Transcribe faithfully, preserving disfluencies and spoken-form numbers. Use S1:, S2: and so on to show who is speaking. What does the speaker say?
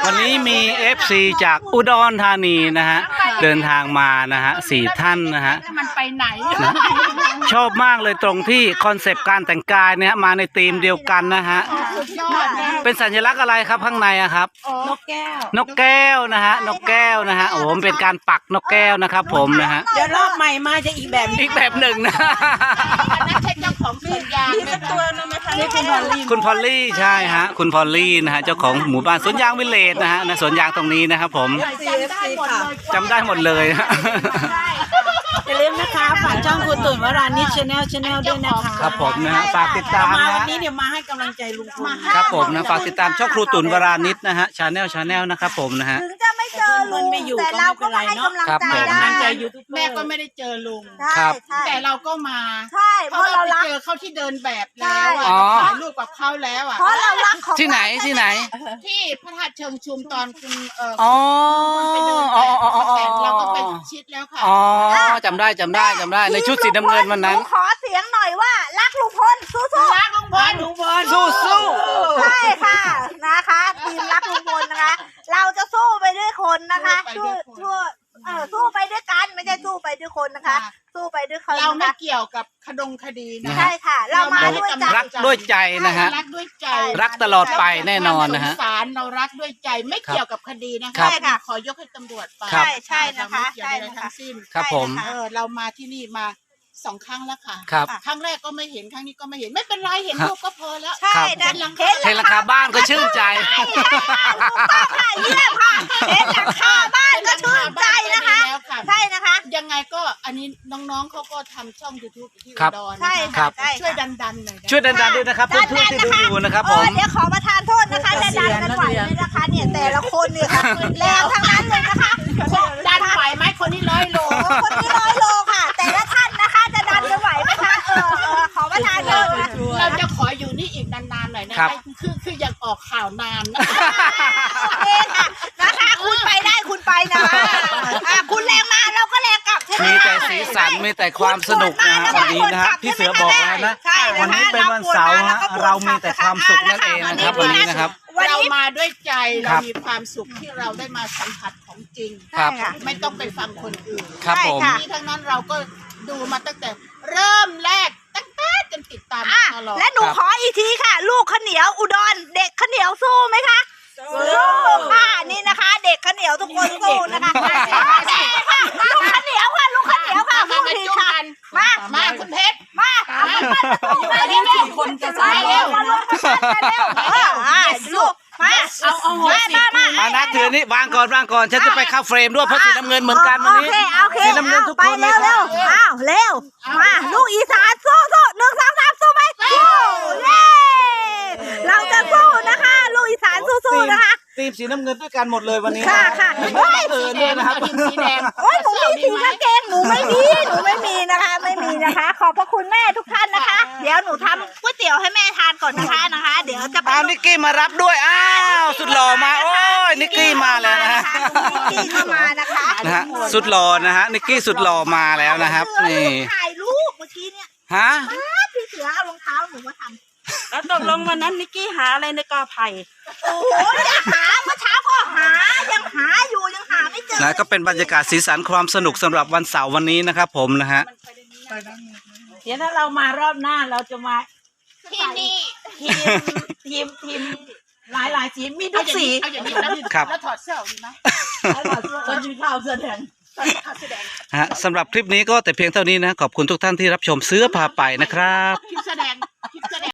S1: วันนี้มี เอฟ ซี จากอุดรธานีนะฮะเดินทางมานะฮะสี่ท่านนะฮะ
S2: มันไปไหน
S1: ชอบมากเลยตรงที่คอนเซปต์การแต่งกายเนี่ยมาในธีมเดียวกันนะฮะ
S2: สุดยอดนะ
S1: เป็นสัญลักษณ์อะไรครับข้างในอะครับ
S2: นกแก้ว
S1: นกแก้วนะฮะนกแก้วนะฮะโอ้โหมันเป็นการปักนกแก้วนะครับผมนะฮะ
S3: เดี๋ยวรอบใหม่มาจะอีกแบบ
S1: อีกแบบหนึ่งนะ
S2: อันนั้นใช่เจ้าของสวนยาง
S3: มี
S2: ไหม
S3: สัก
S2: คะ
S3: ตัวนึงไหมคะนี่คุณพอลลี่
S1: คุณพอลลี่ใช่ฮะคุณพอลลี่นะฮะเจ้าของหมู่บ้านสวนยางวิลเลจนะฮะนะสวนยางตรงนี้นะครับผม
S3: ซีเอฟซีค่ะ
S1: จำได้หมดเลยฮะ
S3: อย่าลืมนะคะฝากช่องคุณตุ่นวรานิชชาแนลชาแนลด้วยนะคะ
S1: ครับผมนะฮะฝากติดตาม
S3: มา
S1: นะ
S3: วัน
S1: ฮะ
S3: นี้เดี๋ยวมาให้กำลังใจลุงพล
S1: ครับผมนะฝากติดตามช่องครูตุ่นวรานิชนะฮะชาแนลชาแนลนะครับผมนะฮะ
S4: ถึงจะไม่เจอลุงแต่เราก็มาให้กำลัง
S1: ครับ
S4: ใจ
S1: ผม
S4: ได้
S3: กำลังใจยูทูบเบอร์
S2: แม่ก็ไม่ได้เจอลุง
S4: ใช่
S1: ครับ
S4: ใช่
S2: แต่เราก็มา
S4: ใช่เพ
S2: เพ
S4: ราะ
S2: ราะเรา
S4: เรา
S2: ไป
S4: รัก
S2: เจอเขาที่เดินแบบแล้วอะ
S1: อ๋อ
S2: ถ่ายรูปกับเขาแล้วอ่ะ
S4: เพราะเรารักของ
S1: ที่ไหนที่ไหน
S2: ที่พระธาตุเชิงชุมตอนคุณเอ่อ
S1: อ๋อ
S2: ไปเดินแบ
S1: อ๋อบ อ๋ออ๋ออ๋อ
S2: แต่เราก็ไปชิดแล้วค่ะ
S1: อ๋อจำได้จำได้จำได้ในชุดสีน้ำเงินวันนั้น
S4: หขอเสียงหน่อยว่ารักลุงพลสู้ๆ
S2: รักลุงพล
S3: ลุงพล
S1: สู้สู้
S4: ใช่ค่ะนะคะทีมรักลุงพลนะคะ เราจะสู้ไปด้วยคนนะคะสู้สู้เออสู้ไปด้วยกันไม่ใช่สู้ไปด้วยคนนะคะ สู้ไปด้วยคน
S2: เราไม่
S4: นะคะ
S2: เกี่ยวกับคดงคดีนะ
S4: ใช่ค่ะ เรามาด้วยใจ
S1: รักด้วยใจนะฮะ
S2: รักด้วยใจ
S1: รักตลอดไปแน่นอนนะฮะ
S2: เราสงสารเรารักด้วยใจไม่เกี่ยวกับคดีนะ
S1: ครั
S2: คะ
S1: บ
S4: ใช่ค่ะ
S2: ขอยกให้ตำรวจไป
S1: ครับ
S4: ใช่ใช่นะคะ
S2: เราไม่เกี่ยวอะไร
S4: ใช่นะคะ
S2: ทั้งสิ้น
S1: ครับผม
S4: ใช่
S2: เอ
S4: นะะ
S2: อเรามาที่นี่มาสองครั้งแล้วค่ะ
S1: ครับ
S2: ครั้งแรกก็ไม่เห็นครั้งนี้ก็ไม่เห็นไม่เป็นไรเห็น
S1: ครับ
S2: รูปก็พอแล้ว
S4: ใช่นะ
S2: หลัง
S4: เห็น
S1: เห็นราคาบ้านก็ชื่นใจ
S4: ค่ะเยี่ยมค่ะเห็นหลังคาบ้านก็ชื่นใจนะคะ
S2: แล้วค่ะ
S4: ใช่นะคะ
S2: ยังไงก็อันนี้น้องๆเขาก็ทำช่อง ยูทูบ ที่
S1: ครับ
S2: อุดร
S4: ใช่
S2: นะ
S1: ครั
S4: ค่ะ
S1: บ
S4: ใช่
S2: ช่วย
S4: ค่ะ
S2: ดันๆหน่อยนะ
S1: ช่วยดันๆด้วยนะครับเพื่อนๆที่ดูอยู่นะครับผม
S4: เออเดี๋ยวขอประทานโทษนะคะจะดันกันไหวไหมนะคะเนี่ยแต่ละคนเนี่ยค่ะแรงทั้งนั้นเลยนะคะ
S2: ดันไหวไหมคนนี้ร้อยโล
S4: โอ้คนนี้ร้อยโลค่ะ แต่ละท่านนะคะจะดันกันไหวไหมคะเออเออขอประทานโทษนะ
S2: เราจะขออยู่นี่อีกนานๆหน่อยนะครับ คือคืออยากออกข่าวนานนะ
S4: โอเคค่ะนะคะคุณไปได้คุณไปนะคะอ่ะคุณแรงมาเราก็แรงกลับใช่ไหม
S1: มีแต่สีสันมีแต่ความสนุกนะฮะวันนี้นะฮะพี่เสือบอกแล้วนะ
S4: ใช่ะคะ
S1: วันนี้เป็นวันเสาร์ฮะเรามีแต่ความสุขนั่นเองนะครับวันนี้นะครับ
S4: วัน
S2: เรา
S4: นี้
S2: มาด้วยใจ
S1: ค
S2: เรา
S1: รับ
S2: มีความสุขที่เราได้มาสัมผัสของจริง
S1: ครับ
S4: ใช่ค่ะ
S2: ไม่ต้องไปฟังคนอื่น
S1: ครับผม
S4: ใช่ค่ะ
S2: ที่ทั้งนั้นเราก็ดูมาตั้งแต่เริ่มแรกตั้งแต่จนติดตาม
S4: อ่ะ
S2: ตลอด
S4: และหนู
S1: ครับ
S4: ขออีกทีค่ะ ลูกข้าวเหนียวอุดรเด็กข้าวเหนียวสู้ไหมคะสู้ค่ะนี่นะคะ เด็กข้าวเหนียวทุกคนสู้นะคะมาค่ะลูกข้าวเหนียวค่ะลูกข้าวเหนียวค่ะ
S2: มา
S4: สู้
S2: มา
S4: ที
S2: จุ๊บ
S4: ค่ะ
S2: กัน
S4: มา
S2: มาคุณเพชร
S4: มาเอามามามา
S3: อันนี้สี่คนจะสาย
S4: เร็
S3: แล้ว ว
S4: มาลงกันเร็วเอออ่ะลูกมา
S3: เอาเอาหัว
S4: มา
S3: สิ
S4: มามา
S1: มานะถือนี่วางก่อนวางก่อนฉันจะไปเข้าเฟรมด้วยเพราะสีน้ำเงินเหมือนกันวันนี้
S4: โอเคโอเค
S1: สีน้ำเงินทุก
S4: ไป
S1: คนเล
S4: เร็
S1: ยว ค
S4: เร็
S1: รั
S4: ว
S1: บ
S4: อ้าวเร็วมาลูกอีสานสู้สู้หนึ่งสองสามสู้ไหมสู้เย้เราจะสู้นะคะ ลูกอีสานสู้ๆนะคะ
S1: ทีมสีน้ำเงินด้วยกันหมดเลยวันนี้
S4: ค่ะค่ะ
S1: เฮ้ยเออด้วยนะครับ
S2: ทีมสีแดง
S4: โอ้ยหนูมีสีกางเกงหนูไม่มีหนูไม่มีนะคะ ไม่มีนะคะ ขอบพระคุณแม่ทุกท่านนะคะ เดี๋ยวหนูทำก๋วยเตี๋ยวให้แม่ทานก่อนนะคะนะคะ เดี๋ยวจะไป
S1: อ้าวนิกกี้มารับด้วยอ้าวสุดหล่อมาโอ้ยนิกกี้มาแล้วนะฮะ
S4: นิกกี้ก็มานะคะ
S1: นะฮะสุดหล่อนะฮะนิกกี้สุดหล่อมาแล้วนะครับนี่
S4: ถ่ายรูปเมื่อกี้เนี่ย
S1: ฮะ
S4: พี่เสือเอารองเท้าหนูมาทำ
S3: แล้วตกลงวันนั้นนิกกี้หาอะไรในกอไผ่
S4: โอ้โหจะหาเมื่อเช้าก็หายังหาอยู่ยังหาไม่เจอ
S1: นะก็เป็นบรรยากาศสีสันความสนุกสำหรับวันเสาร์วันนี้นะครับผมนะฮะ
S3: เดี๋ยวถ้าเรามารอบหน้าเราจะมา
S2: ที่นี่
S3: ทีมทีมทีมหลายหลายสีมีทุกสี
S2: เอาอย่างนี้แล้ว
S1: ครับ
S2: แล้วถอดเสื้อออกดีไหม
S3: คนมีข้าวเสื้อแดง
S2: ถอดขาแสดง
S1: ฮะสำหรับคลิปนี้ก็แต่เพียงเท่านี้นะขอบคุณทุกท่านที่รับชมเสื้อพาไปนะครับ
S2: คลิปแสดงคลิปแสดง